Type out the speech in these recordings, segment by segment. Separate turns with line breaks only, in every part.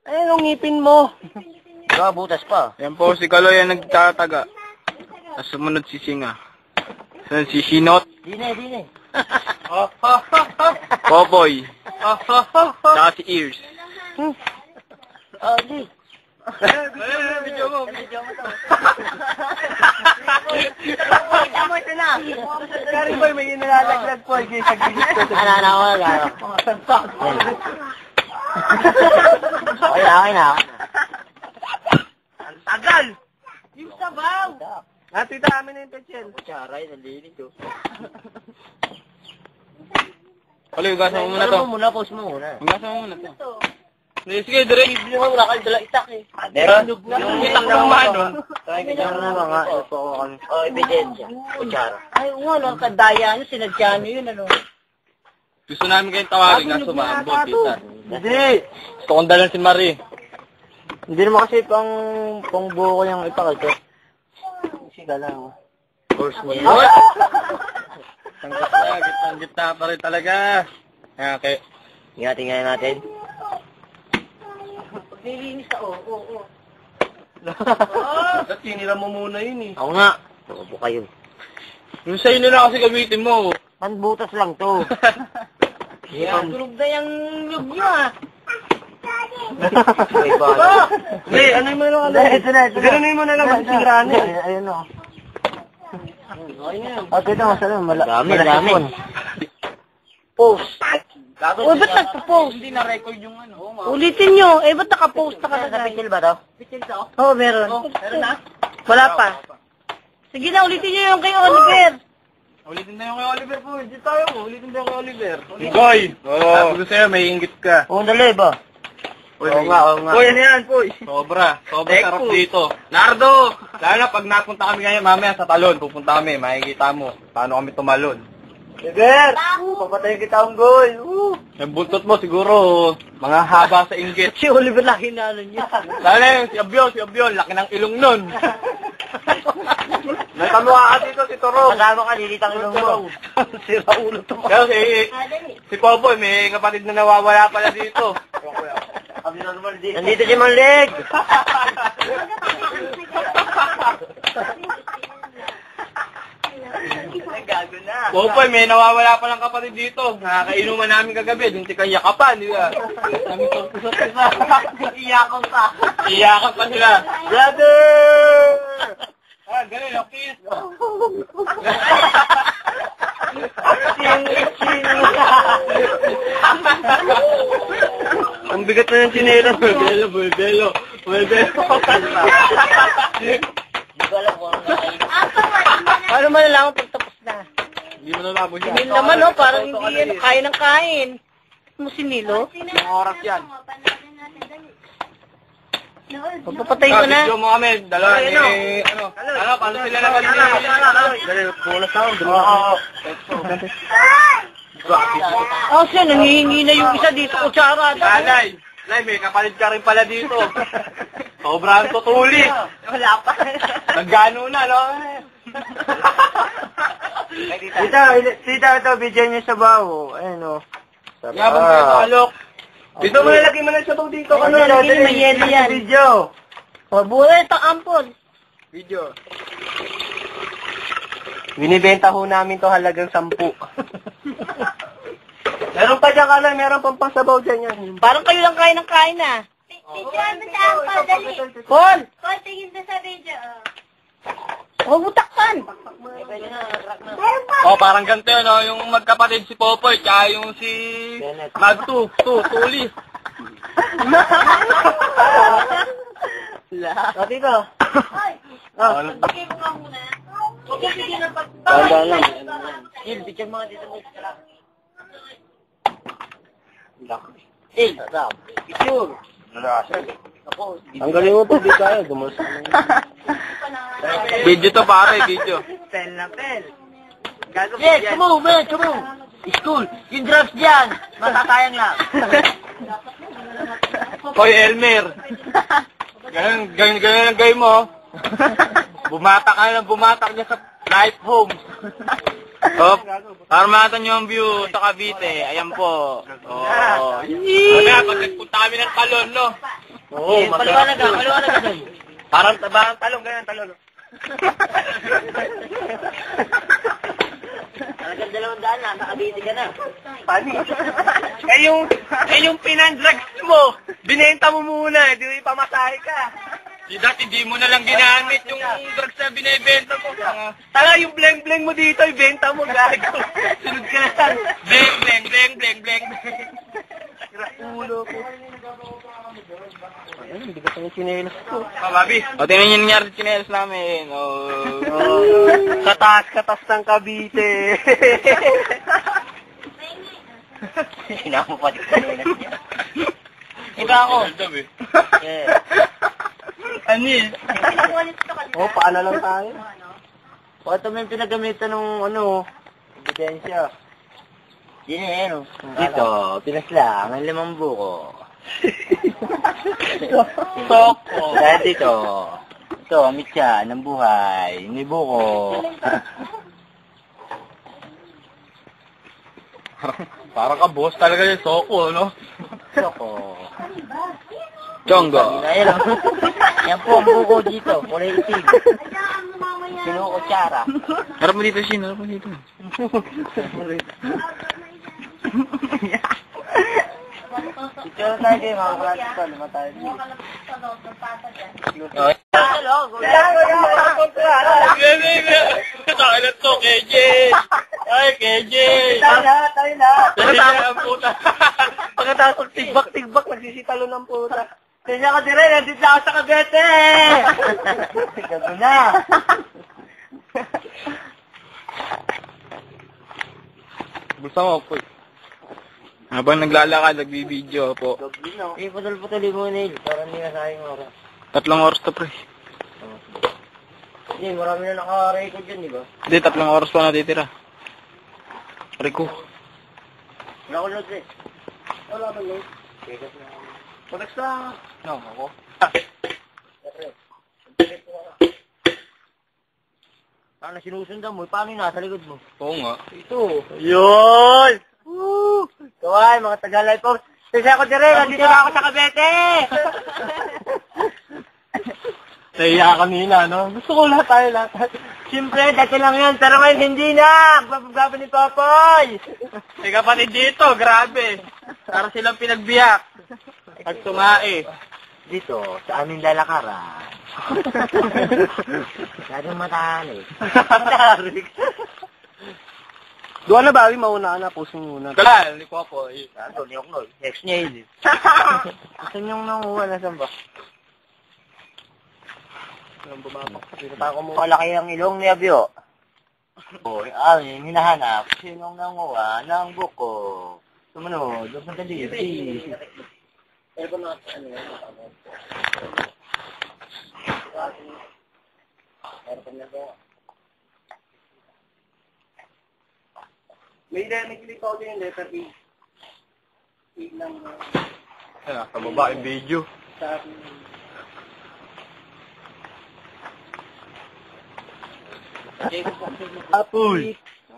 Ayun ang ngipin mo.
Butas pa.
Yan po, si Kaloy ang nagtataga. At sumunod si Singa. Sunod si Sinot.
Dine.
Popoy. Saka si Ears.
Di.
Video mo.
Tama ito na. Kari boy, may inalalaglag po. Sa gilid ko.
Okay na.
Ang tagal. Yung sabaw. Natita amin na yung pechel.
Charay, nalilig ko.
Kaloy, ugasan mo muna to.
Pause mo muna.
Ugasan mo muna to. Sige, direct.
Hindi mo wala kayo dala itak eh.
Yung itak ng mano.
Kutsara na ba nga? Ebidensya. Kutsara.
Ay, ano, kadaya nyo, sinadya nyo yun, ano.
Gusto namin kayong tawagin na sumambot, tita.
Hindi.
Gusto kong dalan si Marie.
Hindi naman kasi pang buo ko yung ipakito. Sige lang. Course mo yun.
Ang gitna pa rin talaga. Okay.
Tingnan natin.
Nilinis ka, oo.
At sinira mo muna yun eh.
Ako nga. Tubo kayo.
Yung sa'yo na lang kasi gamitin mo.
Panbutas lang to.
Yan, tulog na yung nyug nyo, ah.
Hindi, ano mo lang.
Ito na.
Ganunin mo na lang. Siniraan eh.
Ayun o. Okay na, masarap. Dami. Post.
Uy, ba't nagpo-post?
Hindi na-record yung ano.
Ulitin nyo. Eh, ba't nakapost na ka na?
Sa pisil ba to?
Oo, meron.
Meron na?
Wala pa. Sige na, ulitin nyo yung kay Oliver.
Ulitin na yung kay Oliver po. Hindi tayo mo. Ulitin na yung kay Oliver. Boy! Sabi ko sa'yo, may inggit ka.
Oo, dali ba? Oo nga.
Boy, ano yan, boy? Sobra sarap dito. Nardo! Lalo na pag napunta kami ngayon, mamaya sa talon, pupunta kami, makikita mo paano kami tumalon.
Ever! Papatayin kita ang goal!
Yung buntot mo siguro, mga haba sa inggit.
Si Oliver na hinalo niya.
Lalo na yung si Abion, laki ng ilong nun. May kamukha ka dito, si Toro.
Kasama ka, lilitang ilong mo.
Sira ulo to.
Pero si Popoy, may kapatid na nawawala pala dito.
Nandito si Manleg!
Popoy, may nawawala palang kapatid dito. Nakakainuman namin kagabi, yung tika yakapan, di ba? Kami isa.
Iyakong ka.
Iyakan pa sila.
Brother!
Ah, galing, okay.
Ang bigat na ng sinero.
Buebelo.
Paano malalaman pag tapos na?
Hindi mo nalabo siya.
Sinil naman, no? Parang hindi yan kain ng kain. Mo sinilo?
Yung oras yan.
Pagpapatay ko na.
Video mo kami, dalawa ni, paano sila nag-alala?
Dali, pulas na ako.
Oh, siya, nangihingi na yung isa dito, kutsara.
Nay, may kapalit ka rin pala dito. Sobrang tutuli.
Wala pa.
Naggano na, no?
Tita, ito, bigyan niya sa bawo. Ayun o.
Yabang kayo sa alok. Dito mo nalagay mo na sa baw dito.
Ano, lagi na may yelo yan.
Video.
O, buhay ito, ampon.
Video.
Binibenta ho namin to halagang 10. Meron pa dyan ka lang, meron pang pasabaw dyan yan.
Parang kayo lang kain ng kain, ah.
Picture mo sa ampal, dali.
Paul!
Paul, tingin doon sa video.
Huwag mo takpan.
Meron pa.
Oh, parang ganito yun, no? Yung magkapatid si Popoy, tsaka yung si Tuli.
Sabi ko.
Bigay mo nga muna. Huwag yung bigyan ng
Tanda lang.
Gil, bigyan mga dito mo.
Picture. Ang galing mo pag di kaya, dumas.
Video to pare, video.
Pel na pel.
Yes, come on. School, yung drugs dyan. Matatayang lang.
Hoy, Elmer. Ganun ang gay mo. Bumatak ka na bumatak niya sa life home. Oh, para makita nyo ang view sa Cavite. Ayan po. Oh. Kaya pag nagpunta kami ng Talon, no?
Oo,
paliwanag ka
doon.
Parang talong, ganyan, talong.
Talagang 200 na, nakabiti ka na.
Pani. yung pinandrugs mo, binenta mo muna, di mo ipamasahe ka.
Dati di mo na lang ginamit yung drugs na binibenta mo.
Tala, yung bleng-bleng mo dito, ibenta mo, gago. Sunod ka na lang.
Bleng, bleng, bleng, bleng, bleng.
Ulo ko. Ayun, bigat ang chinelas ko.
Babi. O, tingnan niyo nangyari sa chinelas namin.
Katas ng Cavite.
Sinama pa di chinelas niya. Iba ako. Yeah.
Ano yun?
Paano lang tayo?
Ito may pinagamitan ng ebidensya. Yun eh, Dito, pinaslang ang 5 buko.
Soko.
Dahil dito, ito, mitya ng buhay, may buko.
Parang ka boss talaga yung Soko, no?
Soko.
Chongo.
Yan po ang buko dito, kulay itim. Kinukutsara.
Harap mo dito, Shin. Harap mo dito.
Ito tayo kayo, mga klase ko. Lima tayo dito.
Kailan to, KJ? Ay, KJ!
Tayo na.
Ang puta.
Pagkatapos tigbak-tigbak, nagsisitalo ng puta.
Kanya ka dire, nandito ako sa Cavite! Gago na.
Gusto mo po. Habang naglalakad, nagbibideo po.
Putol-putulin mo, Neil, para hindi na sayang oras.
3 oras to, pre.
Hindi, marami na naka-record dyan, di ba?
Hindi, 3 oras pa natitira. Rico.
Wala ko load eh.
Wala ba yun? Pag sa...
No, ako.
Paano sinusundan mo? Paano yung nasa likod mo?
Oo nga.
Ito.
Yun!
Woo! Kawai, mga Tagalay po. Kasi ako dire, nandito na ako sa Cavite!
Nahiya kanina, no? Gusto ko lahat.
Siyempre, dati lang yan, pero ngayon hindi na! Gagawin ni Papoy!
May kapatid dito, grabe. Para silang pinagbiyak. Pagtungae.
Dito, sa aming lalakaran. Laging matahanig.
Doon na bawi, mauna ka na, pusong muna.
Kala, ni Popoy.
Ano, ni Oknol. Ex niya yun. Gusto niyong nanguha na saan ba?
Anong bumapak?
Malaki ang ilong ni Abyo. Hinahanap. Sinong nanguha ng buko? Sumunod, huwag madali.
May click out yung letter E. E lang
Sa baba yung video.
sa...
Apoy.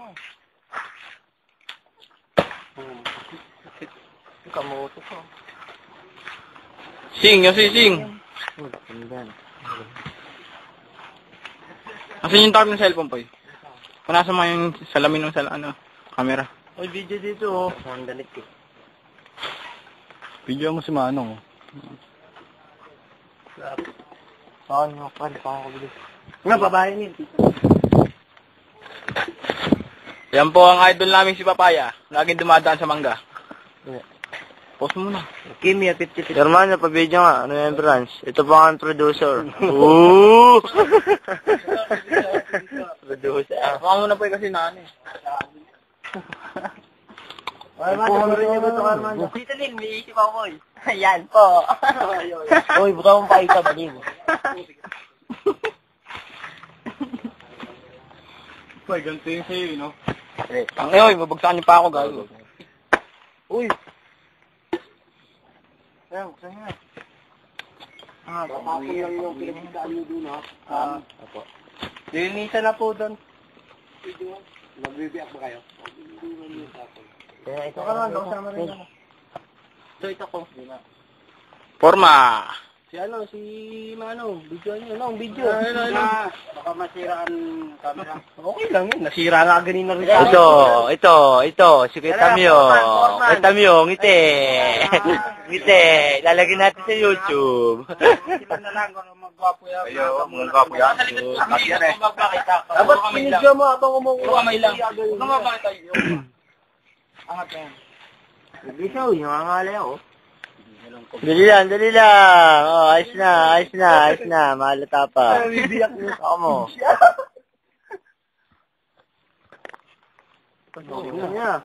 Kamoto ko.
Sing, yung sing. Asan yung tawag ng cellphone, Poy? Punasan mo yung salamin ng camera.
May video dito, oh.
Ang dalit ko.
Video mo si Manong.
Saan mo? Paano ko bilis?
Nga, babae niya.
Yan po ang idol namin si Papaya. Laging dumadaan sa mangga. Post mo na.
Kimia, 50-50. Hermano, pa-video nga. Ano yung branch? Ito po ang producer. Ooh! Producer.
Baka mo na po kasi nani.
Armando, rin niyo ba ito, Armando? Dito din, may isip ako, boy. Ayan po. Uy, buka mong paita, baliw.
Poy, ganito yung sa'yo, no? Ang eoy, mabagsakan niyo pa ako, gago.
Uy! Ayan, saan nga?
Tapos lang yung pinagdaan nyo doon, ha? Apo. Lilinisan na po doon. Magbibiyak ba kayo?
Ito ka naman, kasama rin ako.
So, ito ko.
Forma!
Si Manong, video niyo, no, video. Baka masiraan camera. Okay lang yun, nasira nga ganina rin.
Ito, si Kuya Tamyo, ngiti. Ngiti, lalagyan natin sa YouTube.
Sila na lang kung magwapo yan.
Magwapo yan.
Dapat pinigyan mo habang umukuha.
Kamay lang.
Ano ba tayo? Angat yan. Hindi siya, nangangalay ako.
Dali lang. Oh, ayos na. Mahalata pa.
Bibiyak mo.
Ako mo.
Ano niya?